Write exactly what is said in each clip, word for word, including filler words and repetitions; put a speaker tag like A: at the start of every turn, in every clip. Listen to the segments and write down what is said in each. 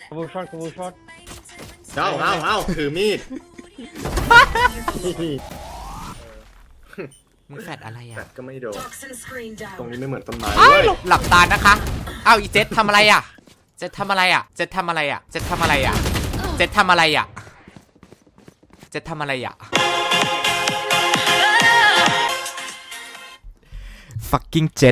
A: ขบูช็อตขบูช็อต
B: เอ้าเอ้าเอ้าถือมีด
C: มึงแฟดอะไร
B: แต่
C: อ่ะ
B: ก็ไม่โดน
D: Toxin screen
B: ตรง
D: down.
B: นี้ไม่เหมือนต้นไม้
C: อ้าว
B: เว้ย
C: หลับตานะคะอ้าวอีเจษทำอะไรอ่ะเจษทำอะไรอ่ะเจษทำอะไรอ่ะเจษทำอะไรอ่ะเจษทำอะไรอ่ะเจษทำอะไรอ่ะ fucking เจ็ด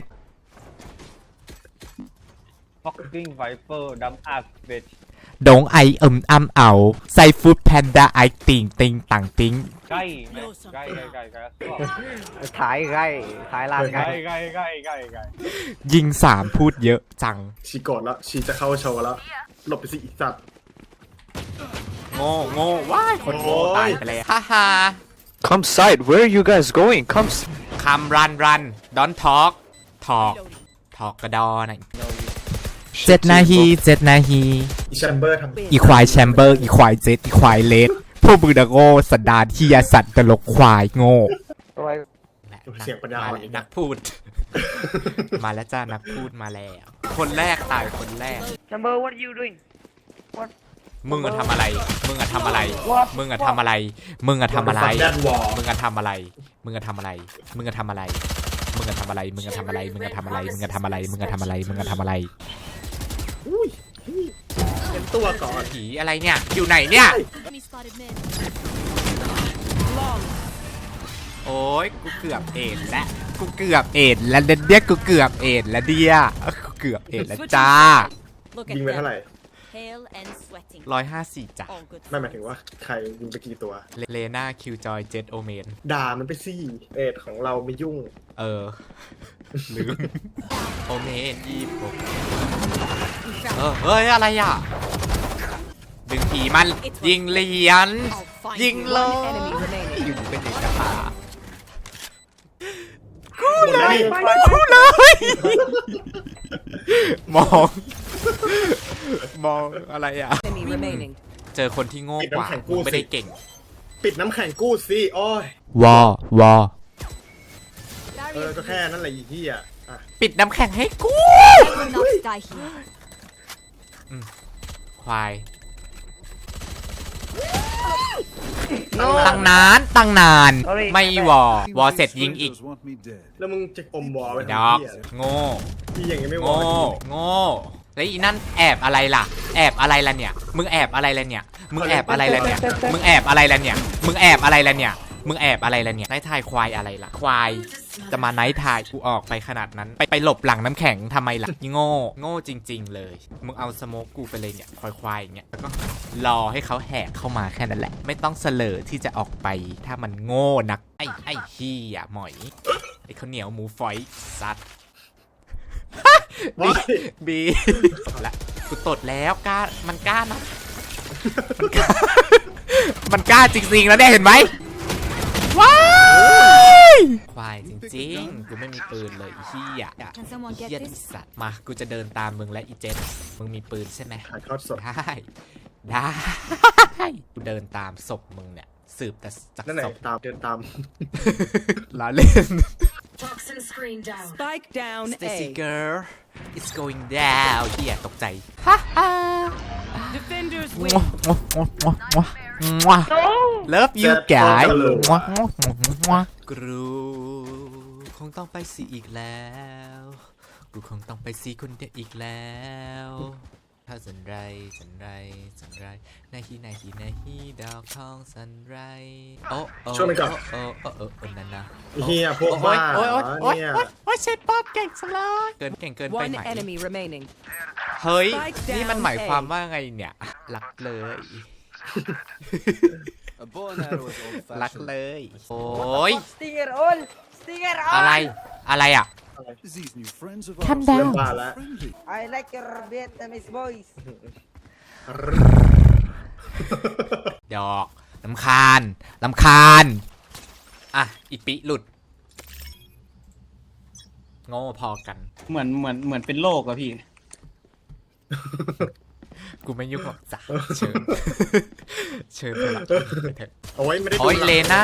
A: ฟ็อกกิ้งไวเปอร์ดัมอาร์เบช
C: ดงไอเอิมอ้ำเอาไซฟูดแพนด้าไอติงติงต่างติง
A: ใกล้ไหมใกล้ใกล้ใกล้ใกล้
E: ถ่ายใกล้ถ่ายลาน
A: ใก
E: ใกล้
A: ล้ใกล้ใกล้ใกล้ใกล้
C: ยิงสามพูดเยอะจัง
B: ชีโกรธแล้วชีจะเข้าโชว์แล้วหลบไปสิอีสัตว์
C: โง่โง่ว้ายคนโง่
B: โอ้ย
C: ตายไปเลยฮ่าฮ่า
F: Come side, where are you guys going? Come. S-
C: คำรันรันดอนทอกทอกทอกกระดอหน่อยเจ็ดนาทีเจ็ดนาที
B: อีแชมเบอร์ทำ
C: อีควายแชมเบอร์อีควายเจ็ดอีควายเลดพวกมึงนะโง่สันดานที่ยาสัตว์ตลกควายโง่
B: เสียงปัญญาอ่อนอีก
C: นั
B: นะ
C: กพูด มาแล้วจ้านักพูดมาแล้ว คนแรกตายคนแรก
E: Chamber what are you doing
C: มึงอะทำอะไร มึงอะทำอะไร มึงอะทำอะไร มึงอะทำอะไร
B: แดนวอล
C: มึงอะทำอะไร มึงอะทำอะไร มึงอะทำอะไร มึงอะทำอะไร มึงอะทำอะไร มึงอะทำอะไร มึงอะทำอะไร มึงอะทำอะไร มึงอะทำอะไร
B: อุ้ยเป็นตัวก่อน
C: ผีอะไรเนี่ย อยู่ไหนเนี่ย
D: Enemy spotted mid.
C: โอ้ยกูเกือบเอ็ดแล้วกูเกือบเอ็ดแล้วเดียกูเกือบเอ็ดแล้วเดียกูเกือบเอ็ดแล้วจ้า
D: Look
B: ยิง
D: at
B: ไปเท่าไหร่
D: them. Pale and sweating.
C: ร้อยห้าสี่จ้ะ
D: All good.
B: ไม่หมายถึงว่าใครยิงไปกี่ตัว
C: เลน่าคิวจอยเจ็ดโอเมน
B: ด่ามันไปสิเอ็ดของเราไม่ยุ่ง
C: เออ ลืม โอเมนยี่สิบหกเออ เฮ้ย อะไรอ่ะ ดึงผีมันยิงเหรียญ
D: I'll find
C: ยิง
D: you.
C: เล
D: One
C: ย
D: enemy remaining.
C: อยู่เป็นเอกตา
B: กูเลย
C: กูเลย มอง มองอะไรอ่ะ
D: Enemy remaining.
C: เจอคนที่โง่กว่าไม่ได้เก่ง
B: ปิดน้ำแข็งกู้สิโอ้ยว
C: อ วอ
B: เออก็แค่นั้นแหละอีเหี้ยอ่ะ
C: ปิดน้ำแข็งให้กู
D: I will not die here.
C: ควาย ตั้งนานตั้งนาน ไม่วอ วอเสร็จยิงอีก
B: แล้วมึงจะอมวอลไป
C: ด
B: ทำ
C: อก
B: เหี้ย
C: โง่
B: พี่อย่างงี้ไม่วอ
C: โง่
B: ล
C: โง่แล้วอีนั่นแอบอะไรล่ะ แอบอะไรล่ะเนี่ย มึงแอบอะไรล่ะเนี่ย มึงแอบอะไรล่ะเนี่ย มึงแอบอะไรล่ะเนี่ย มึงแอบอะไรล่ะเนี่ย มึงแอบอะไรล่ะเนี่ยไนท์ทายควายอะไรล่ะ ควาย จะมาไนท์ทายกูออกไปขนาดนั้น ไปไปหลบหลังน้ำแข็งทำไมล่ะโง่ โง่จริง ๆ เลย มึงเอาสโมกกูไปเลยเนี่ย ควายควายอย่างเงี้ย แล้วก็รอให้เขาแหกเข้ามาแค่นั้นแหละ ไม่ต้องเสลอที่จะออกไป ถ้ามันโง่นัก ไอ้ไอ้ขี้อ่ะหมอย ไอ้ข้าวเหนียวหมูฝอยซัด บีบีละกูตดแล้วกล้ามันกล้านะมันกล้ามันกล้าจริงๆแล้วเนี่ยเห็นไหมว้ายควายจริงๆกูไม่มีปืนเลยอีเหี้ย
D: Can someone
C: อี
D: get
C: เหี้ย
D: this?
C: สัตว์มากูจะเดินตามมึงและอีเจนมึงมีปืนใช่ไหม
B: ถ่ายทอดสด
C: ได้ได้กูเดินตามศพมึงเนี่ยสืบแต่จาก
B: นั่นไหน
C: ศพ
B: ตามเดินตาม
C: ล้อเล่น
D: Toxin screen down.
G: Spike down
C: Stacy
G: A.
C: girl it's going down เหี้ยตกใจฮ่าฮ่า
G: Defenders
C: มั
G: win.
C: วมัวมัวมัวมัวมัว Love you guys มัวมัวมัวมัวกรูคงต้องไปสีอีกแล้วกูคงต้องไปสีคนเดียวอีกแล้วถ้าสันไรสันไรสันไรนาฮีนาฮีนาฮีดาวทองสันไรโอ้โอ้
B: ช่วยมันก่อน
C: โอ้โอ้โอ้โอ้นั่นนะ
B: อีเหี้ยพวกบ้า
C: โอ้ยโอ้ยโอ้ย
B: เนี่ย
C: โอ้ยโอ้ยเชฟป๊อปเก่งสุดเลยเกินเก่งเกินไป
G: One
C: ไหม
G: enemy remaining.
C: เฮ้ย
G: Spike down
C: นี่มันหมายความว่าไงเนี่ยรักเลย รักเลย โอ้ย
E: Stinger all Stinger
C: อะไร
E: all
C: อะไรอ่ะ
B: ทำดาวบ้าแล้ว
E: I like your Vietnamese voice
C: ดอกลำคาญลำคาญอ่ะอีปิหลุดโง่พอกัน
A: เหมือนเหมือนเหมือนเป็นโรคอะพี่
C: กูไม่ยุ่งหรอกจ้ะเชิญ เชิญไปละไปเถอะ
B: เอาไว้ไม่ได้ดู
C: โอ้ย
B: หลัง
C: เลน่า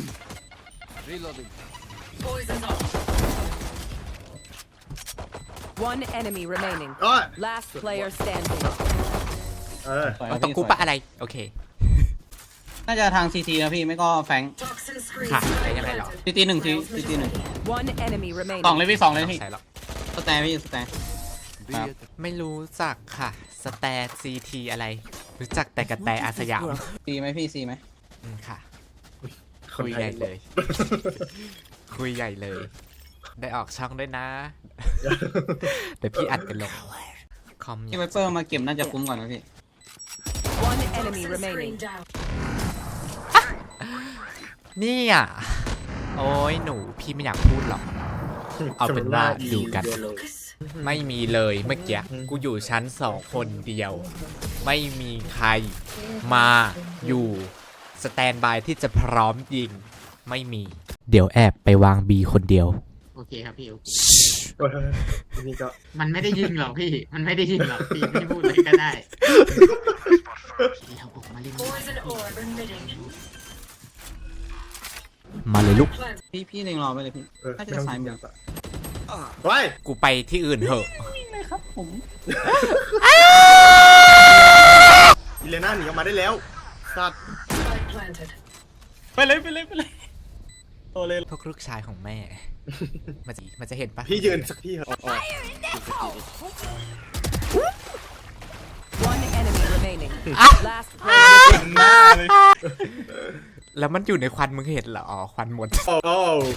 D: Poison's off.
G: One enemy remaining.
B: ก็
G: Last player standing.
B: เออ
A: สวย
C: เอา
A: นะ
C: ตก
A: พี่
C: กู
A: สวย
C: ปะอะไร โอเค
A: น่าจะทางซีทีนะพี่ไม่ก็แฟง
D: Toxin screen
C: ค่ะได้ยังไงหรอ
A: ซีทีหนึ่งซีซีทีหนึ่ง
G: One enemy
A: สอง
G: remaining.
A: เลยพี่สองเลยพี่
C: ใช่แล้ว
A: สแตนพี่สแตนครับ
C: ไม่รู้จักค่ะ สแตทซีทีอะไร รู้จักแต่กระแตอาสยาม
A: ซีไหมพี่ซีไหม
C: อืมค่ะ
B: คน
C: คุย
B: ไท
C: ใหญ่เลย คุยใหญ่เลย ได้ออกช่องด้วยนะ เดี๋ยวพี่อัดไปลงคอม
A: ที่ไวเปอร์มาเก็บน่าจะคุ้มกว่านะพี่
G: One enemy
D: Toxin screen
G: remaining.
D: down.
C: นี่อ่ะ โอ้ยหนูพี่ไม่อยากพูดหรอก เอาเป็นว่าดูกัน
D: Focus.
C: ไม่มีเลยเมื่อกี้กูอยู่ชั้นสองคนเดียว ไม่มีใครมาอยู่สแตนบายที่จะพร้อมยิง ไม่มี เดี๋ยวแอบไปวางบีคนเดียว
H: โอเคครับพี่โอเค
B: เออนี่ก็
H: มันไม่ได้ยิงหรอกพี่ มันไม่ได้ยิงหรอกพี่พี่พูดเลยก็ได้เดี๋ยวผมมาเล่น
D: Poison orb emitting.
C: มาเลยลูก
D: Plant.
A: พี่พี่เล็งรอไปเลยพี่
B: เออ
A: น่าจะซ้ายมือ
B: ไว้
C: กูไปที่อื่นเถอะ
A: ครับผม
B: อิเลน่าหนีออกมาได้แล้วสัตว์
D: Spike planted.
A: ไปเลยไปเลยไปเลยโตเลย
C: พวกลูกชายของแม่ มันจะมันจะเห็นปะ
B: พี่ยืนสักที่เหรอะ
G: One enemy remaining. Last player.
A: หน้าเลย
C: แล้วมันอยู่ในควันมึงเห็นเหรอ อ๋อ ควันหมด
B: โอ้โห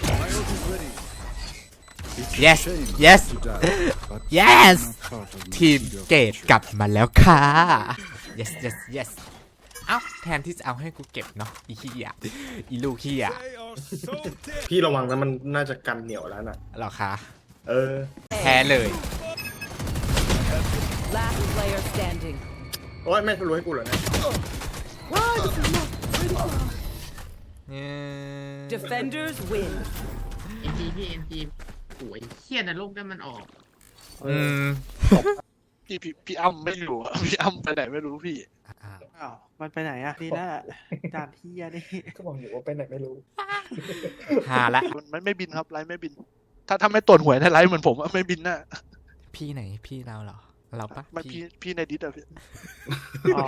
C: yes yes yes ทีมเกตกลับมาแล้วค่ะ yes yes yes เอ้าแทนที่จะเอาให้กูเก็บเนาะอีขี้อ่ะอีลูกขี้อ่ะ
B: พี่ระวังนะมันน่าจะกันเหนียวแล้วน่ะ
C: เหรอคะ
B: เออ
C: แพ้เลย
G: Last player standing.
B: โอ้ยไม่รู้ให้กูเหรอเนี่ย
G: Defenders win.
H: เอ็นจีพี่เอ็นจีโอ้ยเฮี้ยนรกนั่นมันออก
C: อืม
I: พี่พี่พี่อ้ำไม่อยู่อะ พี่อ้ำไปไหนไม่รู้พี่
C: อ่า
J: อ้าวมันไปไหนอะนี่น่าด่านเฮียนี่
B: ก็บอกอยู่ว่าไปไหนไม่รู้
C: หาละ
I: มันไม่ไม่บินครับไลฟ์ไม่บิน ถ้าถ้าไม่ตรวจหวยในไลฟ์เหมือนผมอะไม่บินน่ะ
C: พี่ไหนพี่เราเหรอ เราปะ
I: ไม่พี่พี่ในดิสอะพี่
J: อ๋อ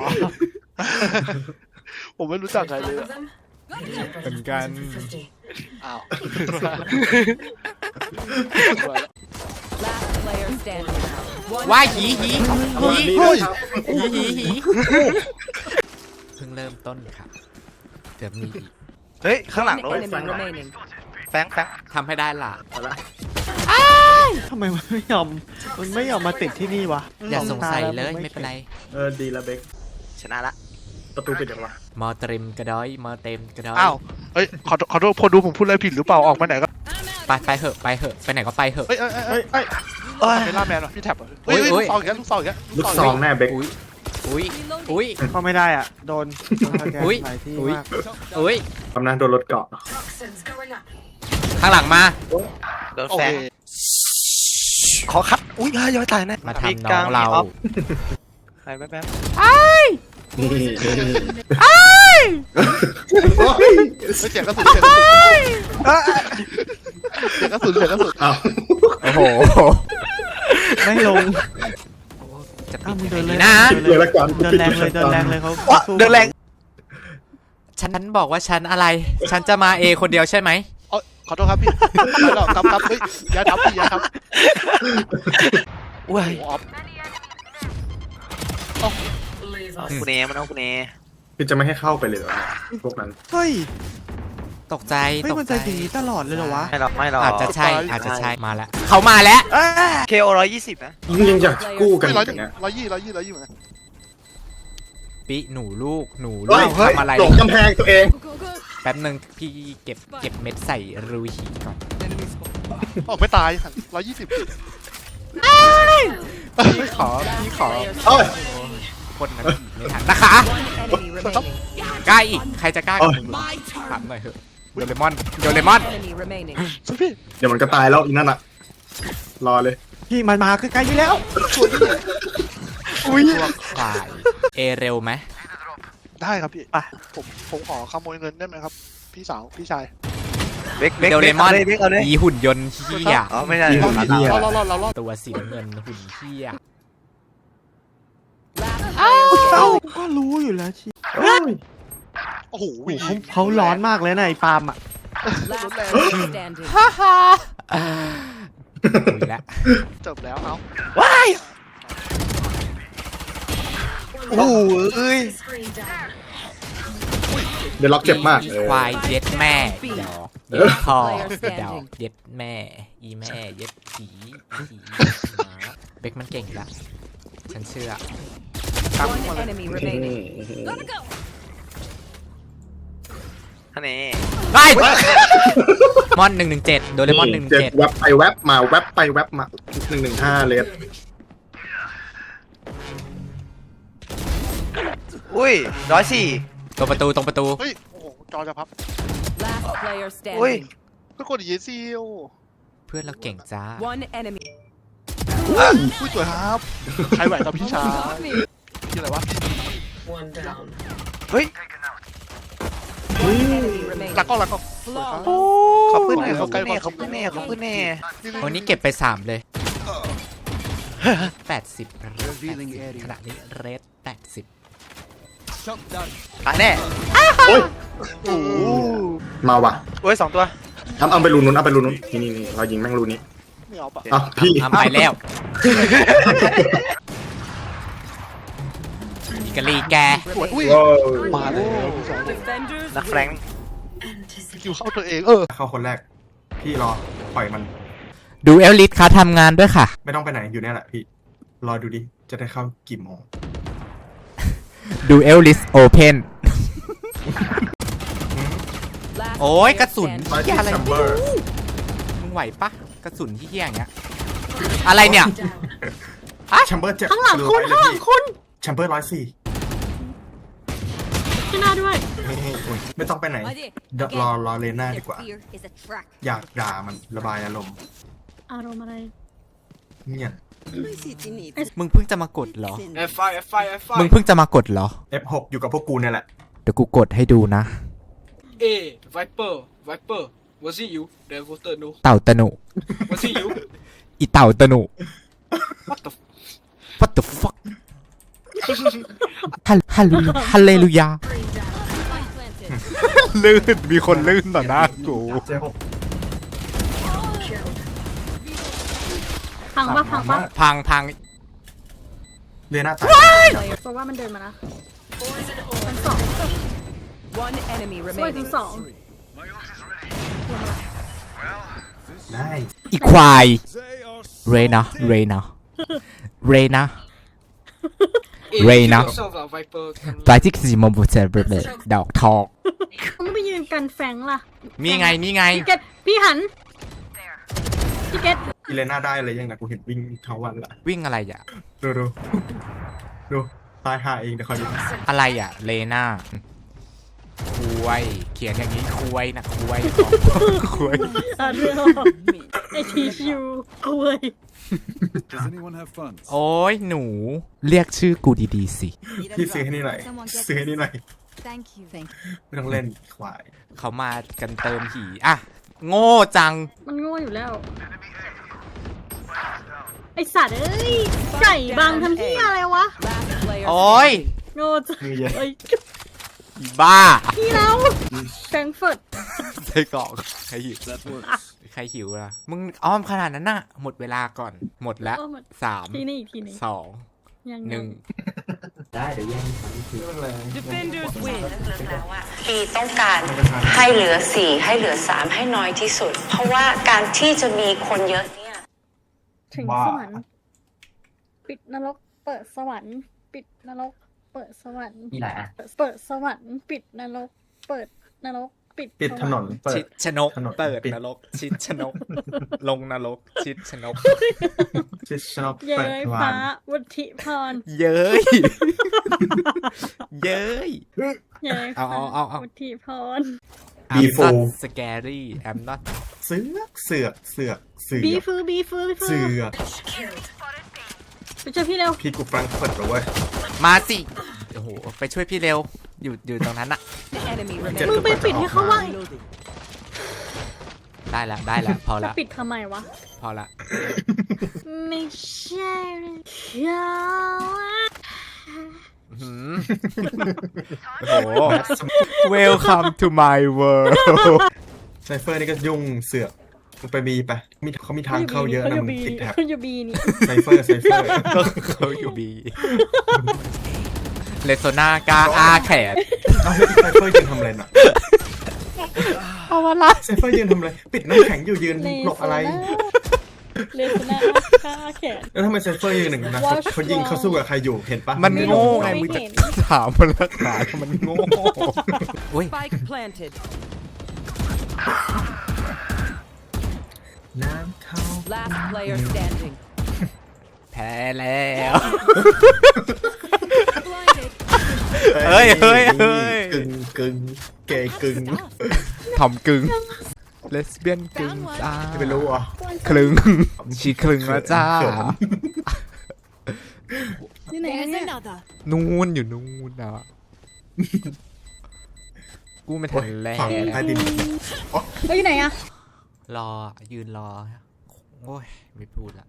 I: ผมไม่รู้จักใครเลย
D: Five
I: อะ
D: of them.
C: เหมือนกัน
D: fifty.
I: อ้าว
G: Last player standing. One
C: ว่าหีหี
B: เอา
C: หี
B: ดีนะครับ
C: หีหีหีเพิ่งเริ่มต้นค่ะเดี๋ยวมีอีก
F: เฮ้ย ข้างหลัง
G: One
F: ด้วย
G: enemy remaining.
F: แฟงแฟง
C: ทำให้ได้ล่ะ
B: เอาละ
J: ทำไมมันไม่ยอมมันไม่ยอมมาติดที่นี่วะ
C: อย่าสงสัย
J: ตแว
C: เลย
J: ง
C: ไม่เป็นไร
B: เออดีละเบค
F: ชนะละ
B: ประตูปิดยังวะ
C: มอเตริมกระดอยมอเต็มกระดอย
I: อ้าวเฮ้ยขอขอโทษพอดูผมพูดอะไรผิดหรือเปล่าออกมาไหนก็
C: ไปไปเหอะไปเหอะไปไหนก็ไปเหอะ
I: เฮ้ยเฮ้ยเฮ้ยเฮ้ย
F: เอ้ย
I: เฮ้ยล่าแมนเหรอพี่แท็บเหรอเฮ้ย
C: โอ้
I: เฮ้
C: ย
I: ยลูกซองอีกแล้วลูกซองอีกแล้ว
B: ลูกซองแน่เบค
C: อุ้ยอุ้ยอุ้ย
J: เข้าไม่ได้อ่ะ โดนโดนสแกน
C: อุ๊ย
J: หลายที่
C: อุ๊ย
J: มาก
C: อุ้ย
B: กำลังโดนรถเกาะ
D: Toxins going up.
C: ข้างหลังมา
F: โดน
I: โอ
F: แฟ
I: เค
F: งขอคัดอุ้ยเฮ้ยย้อยตายนะ
C: มาทำน้องเรา
F: ไปแป๊บแป๊บ
B: นี่
I: เฮ้ยเสียงกระสุนเสียงกระสุนเสียงกระสุนเสียงกระสุน
B: อ้าว
C: โอ้โห
J: ไม่ลง
C: จะปิ
J: อ้าว
C: ด
J: มึง
C: ยัง
J: เดิ
C: ไง
J: นเลย
C: ดีนะ
B: เลยละกัน
J: เดินแรงเลยเดินแรงเลยเขา
F: ว้า
J: สู้
F: เดินแรง
C: ฉันบอกว่าฉันอะไร ฉันจะมาเอคนเดียวใช่ไหม
I: เอ้ยขอโทษครับพี่ไม่หรอกครับครับเฮ้ยอย่าทับพี่อย่าทับ
F: อุ้ย
I: โอ้โหออฟ
D: Leave
F: เอา
D: us.
F: กูเนมันเอากูเน
B: คือจะไม่ให้เข้าไปเลยเหรอพวกนั้น
J: เฮ้ย
C: ตกใจ
J: เฮ้ย
C: ตก
J: มัน
C: ใจ
J: จะดีตลอดเลยเหรอวะ
F: ไม่หรอกไม่หรอก
C: อาจจะใช่อาจจะใช่มาแล้วเขามาแล้ว
F: เคโอร้อยยี่สิบนะ
B: ยิ่งยังอยากกู้กัน
I: ไม่ร้อย
B: อย่างเงี้ย
I: ร้อยยี่ร้อยยี่ร้อยยี่เหมือนกัน
C: ปิหนูลูกหนูลู
B: เฮ้ย
C: ก
B: เฮ้ย
C: ทำอะไร
B: หลงกำแพงตัวเอง
C: แป๊บหนึ่งพี่เก็บเก็บเม็ดใส่รูหีก่อน
I: ออกไม่ตายร้อยยี่สิบ
C: พี่ขอพี่ขอ
B: เอ้ย
C: คนนั้นไม่ทันนะคะ
G: One enemy remaining.
C: กล้าอีกใครจะกล้ากับมึงถามหน่อยเถอะโดเรมอนโดเรมอน
G: Enemy remaining.
I: สุดพี่
B: เดี๋ยวมันก็ตายแล้วอีนั่นอะรอเลย
J: พี่มันมาใกล้ๆนี่แล้ว
C: อุ้ยพวกควายเอเร็วไหม
I: ได้ครับพี่
J: ไป
I: ผมผมขอขโมยเงินได้ไหมครับ พี่สาวพี่ชาย
F: เบกเบก
C: โดเรมอน
F: เบกเอาเลย
C: อีหุ่นยนต์เฮีย
F: อ๋อไม่ใช่
I: เราเราเราเราเรา
C: ตัวสีน้ำเงินหุ่นเฮีย
G: Last player
J: เอ้า
G: standing.
J: ก็รู้อยู่แล้วชี
I: โอ้โห
J: โอ้โหเขาเขาร้อนมากเลยนะไอ้ปาล์มอ่ะ
G: Last player standing.
C: คุยแล้ว
I: จบแล้วเอา
F: ว้ายโอ้โหเอ้ย
D: Screen down.
B: เดี๋ยวล็อกเจ็บมาก
C: อี
B: เออ
C: ควายเย็ดแม่อีดอกเย็ดพ่ออีดอกเย็ดแม่ อีแม่เย็ดผีผีเบคมันเก่งละฉันเชื่อ
G: One enemy remaining.
F: ท่านนี้
C: ไปมอนหนึ่งหนึ่งเจ็ดโดเรมอนหนึ่งหนึ่ง
B: เจ็
C: เจ็
B: บ
C: ด
B: แวบไปแวบมาแวบไปแวบมาหนึ่งหนึ่งห้าเลส
F: อุ้ยร้อยสี่
C: ตรงประตูตรงประตู
I: เฮ้ยโอ้โหจอจะพับ
G: Last player
F: อุ้ย
G: standing.
I: ก็กดอีซีโอ
C: เพื่อนเราเก่งจ้า
G: One enemy.
I: ผู้สวยครับใครไหวกับพี่ชายที่อะไรวะ
D: One down.
F: เฮ้ย
G: One enemy remaining.
I: หลักกล้องหลักกล้องสวยครับ
F: เขาปืนแน่
I: เขา
F: เขา
I: ใกล้
F: ปืนแน่
I: ความ
F: เขาปืนแน่เขาปืนแน่
C: วันนี้เก็บไปสามเลยแปดสิบขณะนี้เรทแปดสิบ
F: ตายแน่
B: โอ้ยมาว่ะ
F: โอ้ยสองตัว
B: ทำเอาไปรูนู้นเอาไปรูนู้นนี่นี่นี่เรายิงแม่งรูนี้
I: ไม่เอาปะ
B: อ่ะพี่
C: ทำไปแล้วอิกาลีแก
I: สวยอุ้ย
B: โว้ย
I: มาเลยพี่สอง
G: Defenders
F: นักแฟรงค์
I: คิวเข้าตัวเองเออ
B: เข้าคนแรก พี่รอปล่อยมัน
C: ดูเอลลิสค่ะทำงานด้วยค่ะ
B: ไม่ต้องไปไหนอยู่เนี่ยแหละพี่ รอดูดิ จะได้เข้ากี่โมง
C: ดูเอลลิสโอเพน
G: Last
C: โอ้ย
G: player
C: กระสุน
G: standing.
B: มา
C: เหี้
B: ที่
C: ยอะไร
B: ซัมเบอร์
C: มึงไหวปะกระสุนที่เหี้ยอย่างเงี้ยอะไรเนี่ย
D: Down.
B: แชมเบอร์เจ็บข้างหลังคุณข้างหลังคุณแชมเบอร์ร้อยสี่ที่หน้าด้วยไม่ต้องไปไหนเดี๋ยวรอรอเลน่าดีกว่า อยากด่ามันระบายอารมณ์
K: อารมณ์อะไร
B: เนี่ย
C: มึงเพิ่งจะมากดเหรอ
B: F ไฟ F ไฟ F ไฟ
C: มึงเพิ่งจะมากดเหรอ
B: เอฟหกอยู่กับพวกกูเนี่ยแหละ
C: เดี๋ยวกูกดให้ดูนะ
L: เอ Viper Viper was it you that voted no
C: เต่าตะหนุ
L: was it you
C: อีเต่าตะหนุ
L: what the
C: What the fuck ฮัลฮัลลูฮัลเลลูยา ลื่น มีคนลื่นต่อหน้ากู
B: เจ๊หก
K: พังปะพังปะ
C: พังพัง
B: เลน่าตาย
K: เพราะว่ามันเดินมานะ
D: Poison
K: ชั้น
D: orb.
K: สอง
G: One enemy
K: สวยชั้น
G: remaining.
K: สอง
B: ได้
C: อีควาย เรนะเรนะเรนะ
L: Eh,
C: Reyna.
L: kill yourself lah, Viper
C: ปลายที่สี่โมงบุเซเบลดอกทอง
K: มึงไปยืนกันแฟงล่ะ
C: นี่ไง นี่ไง
K: พี่เกตพี่หันพี่เกต
B: อีเลน่าได้เลยยังนะกูเห็นวิ่งทั้งวันละ
C: วิ่งอะไรอ่ะ
B: ดูดูดูตายหาเองเดี๋ยวคอยดู
C: อะไรอ่ะ เลน่าคุยเขียนอย่างนี้คุยนะคุยคุย
K: อ่านเรื่องไอทีชิวคุย
C: โอ้ยหนู เรียกชื่อกูดีๆสิ
B: พี่ซื้อให้นี่หน่อยซื้อให้นี่หน่อยไม่ต้องเล่นควาย
C: เขามากันเติมหีอ่ะ โง่จัง
K: มันโง่อยู่แล้ว ไอสัตว์เอ้ย ไก่บังทำที่อะไรวะ
G: Last player
C: โอ้ย
K: โง่จัง
B: มือเย็น
K: เอ้ย
C: อีบ้า
K: พี่แล้วแฟรงก์เฟิร์ต
C: ใส่กรอกใครหิวใครหิวล่ะ มึงอ้อมขนาดนั้นน่ะ หมดเวลาก่อน หมดแล้วสาม
K: ทีนี้อีกทีหนึง
C: สอง
K: ยัง
C: หนึ่ง
G: Defenders win.
M: ปีต้องการให้เหลือสี่ให้เหลือสามให้น้อยที่สุด เพราะว่าการที่จะมีคนเยอะเนี่ย
K: ถึงสวรรค์ ปิดนรก เปิดสวรรค์ ปิดนรก เปิดสวรรค์
H: มีหลายอ่ะ
K: เปิดสวรรค์ ปิดนรก เปิดนรก ปิด
B: ปิดถนนเปิ
C: ชิ
B: ด
C: ดชนก
B: ถนน
C: เปิด
B: ปิด
C: นรก ชิดชนก ลงนรก ชิดชนก
B: ชิชนก
K: เย้
B: เปิด
K: ย
B: วา
K: ฟ้าน วุฒิพร
C: เย้ย เย้ย
K: เย้ย
C: เอา
K: ฟ้า
C: เอาเอาเอา
K: วุฒิพร
B: บีฟู
C: I'm not scary I'm not
B: เสือกเสือกเสือกเสือ
K: บี
B: ก
K: ฟือบีฟือบีฟื
B: เสื
K: อ
B: อก
D: Killed.
K: ไปเจอพี่เร็ว
B: พี่กูฟรังก์เฟิร์ตเหรอเว้ย
C: มาสิ โอ้โห ไปช่วยพี่เร็ว อยู่อยู่ตรงนั้นอะ
G: Enemy
B: เจ็ด
K: มึง
G: remaining.
K: ไปปิดให้เขาว่าง
C: ได้ละได้ละพอ
K: จะ
C: ละ
K: ปิดทำไมวะ
C: พอละ
K: ไม่ใช่เขา
C: หืมโอ้โห Welcome to my world
B: ไซเฟอร์นี่ก็ยุ่งเสือกมึงไปบีไปมีเขามีทางเข้าเยอะนะมึงติดแท็บ
K: เขาอยู่บีนี่
B: ไซเฟอร์ไซเฟอร์
C: ก็เขาอยู่บีเลโซนากาอาแขน
B: เอาแล้วไซเฟอร์ยืนทำอะไรน่ะ
C: เอาวะละ
B: ไซเฟอร์ยืนทำอะไรปิดน้ำแข็งอยู่ยืนหลบอะไร
K: เลสนาค่าแขน
B: แล้วทำไมไซเฟอร์ยืนหนึ่งนะเขาเขายิงเขาสู้กับใครอยู่เห็นปะ
C: มันโง่ไง
K: ไม่
C: มึงจะ
K: เห็น
C: ถามมันละถามมันโง่อุ้ย
G: Spike planted.
B: น้ำเข้า
G: Last player standing.
C: แพ้แล้วเฮ้ยเฮ้ยเฮ้ย
B: กึ่งกึ่งเกย์กึ่ง
C: ทอมกึ่งเลสเบี้ยนกึ่งจ้า
B: ไม่รู้อ่ะ
C: คลึงชีคลึงแล้วจ้า
K: ที่ไหนเนี่ย
C: นู่นอยู่นู่นอ่ะกูไม่ทันแล้
B: ฝั่งใต้ดิน
K: เขาอยู่ไหนอะ
C: รอยืนรอโอ้ยไม่พูดละ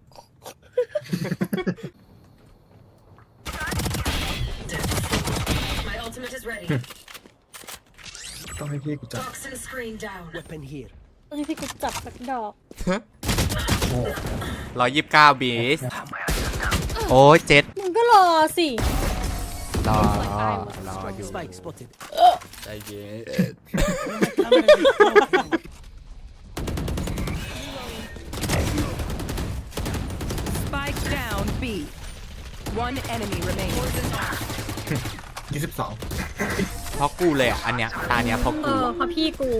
D: My ultimate is ready.
B: ต้องให้พี่กูจับ
D: Toxin screen down.
K: เอ้ยพี่กูจับสักดอก
C: ร้อยยี่สิบเก้าบีสโอ้ยเจ็ด
K: มึงก็รอสิ
C: รอรออยู่ใจเย็น
G: Spike down B. One enemy remaining.
B: ยี่สิบสอง
C: เพราะกูเลยอ่ะอันเนี้ยตาเนี้ยเพราะ
K: เอ
C: กู
K: อเพราะพี่กู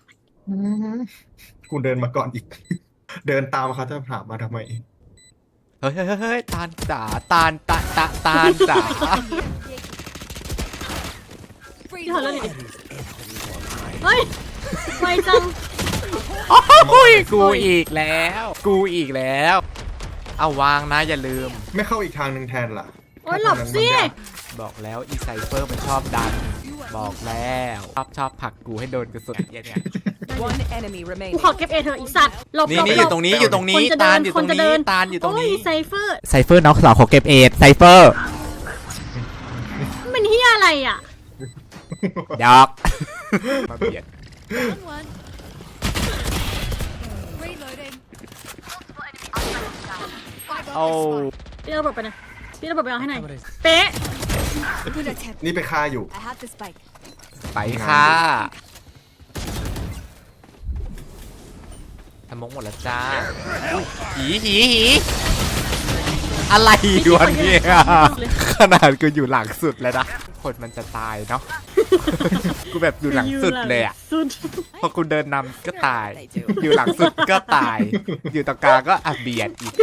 B: กูเดินมาก่อนอีก เดินตามเขาจะถามมาทำไม
C: เฮ้ยเฮ้ยเฮ้ยตาลจ๋าตาลตาตาตาลจ๋า
K: พี่ถอดแล้วดิเฮ้ยไวจัง
C: โอ้ยกูอีกแล้ว กูอีกแล้ว เอาวางนะอย่าลืม
B: ไม่เข้าอีกทางหนึ่งแทนล่ะ
K: โอ้ยหลบสิ
C: บอกแล้วอีไซเฟอร์มันชอบดัน บอกแล้วชอบชอบผลักกูให้โดนกระสุนเนี่ยเนี่ย
G: One enemy
K: กู
G: remaining.
K: ขอเก็บเอเธออีสัตว์หลบ
C: นี่
K: หลบ
C: นี่
K: ห
C: อ
K: ล
C: ยู่
K: บ
C: ตรงนี้อยู่ตรงนี้
K: คนจะ
C: ตา
K: เดิ
C: ล
K: น
C: อยู่
K: ค
C: ตร
K: น
C: ง
K: จะ
C: นี้
K: เดิน
C: ตาลอยู่ตรงนี้
K: โอ้ยไซเฟอร์
C: ไซเฟอร์น้องสาวขอเก็บเอทไซเฟอร์
K: มันเป็นเฮียอะไรอ่ะ
C: ดอกมาเบียด โอ้
K: พี่ระเบิดไปนะพี่ระเบิดไปเอาให้หน่อยเป๊ะ
B: นี่ไปฆ่าอยู่
C: ไปค่ะทำมงหมดแล้วจ้าหีหีหีอะไรอยู่วันนี้ขนาดกูอยู่หลังสุดแล้วนะคนมันจะตายเนาะกูแบบอยู่หลังสุดเลยอ่ะ
K: สุด
C: พอกูเดินนำก็ตาย อยู่หลังสุดก็ตาย อยู่ตรงกลางก็อ่ะเบียดอีก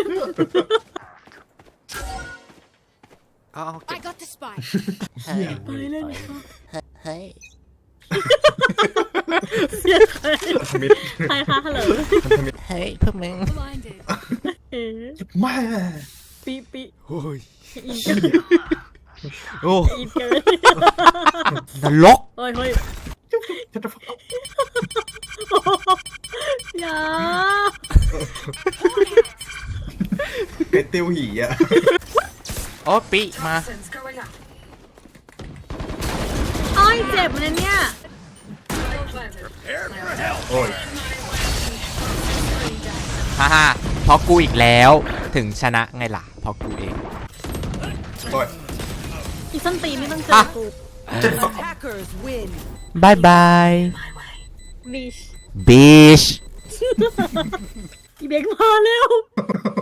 C: เอาเอาเก็บ
K: ไปเล่นค่ะ
C: เฮ้ย
K: เสียใครใครคะฮัลโหล
C: เฮ้ยพวกมึง
K: เอ๊ะ
B: แม่
K: ปีปี
C: โอ้ย
K: อีกเกิน
C: โอ้
K: อีกเกิน
C: นรก
K: เฮ้ยเฮ้ยอย่า
B: ไก่ติวหีอ่ะ
C: โอ้ปิมา
D: Toxins going up.
K: โอ้ยเจ็บเลยเนี่ย
D: Planted.
B: โอ้ย
C: ฮ่าฮ่าเพราะกูอีกแล้วถึงชนะไงล่ะเพราะกูเอง
B: โอ้ย
K: อีส้นตีนไม่ต้องเจอกู
G: Hackers win.
C: บายบาย
K: บิช
C: บิช
K: อีเบกมาแล้ว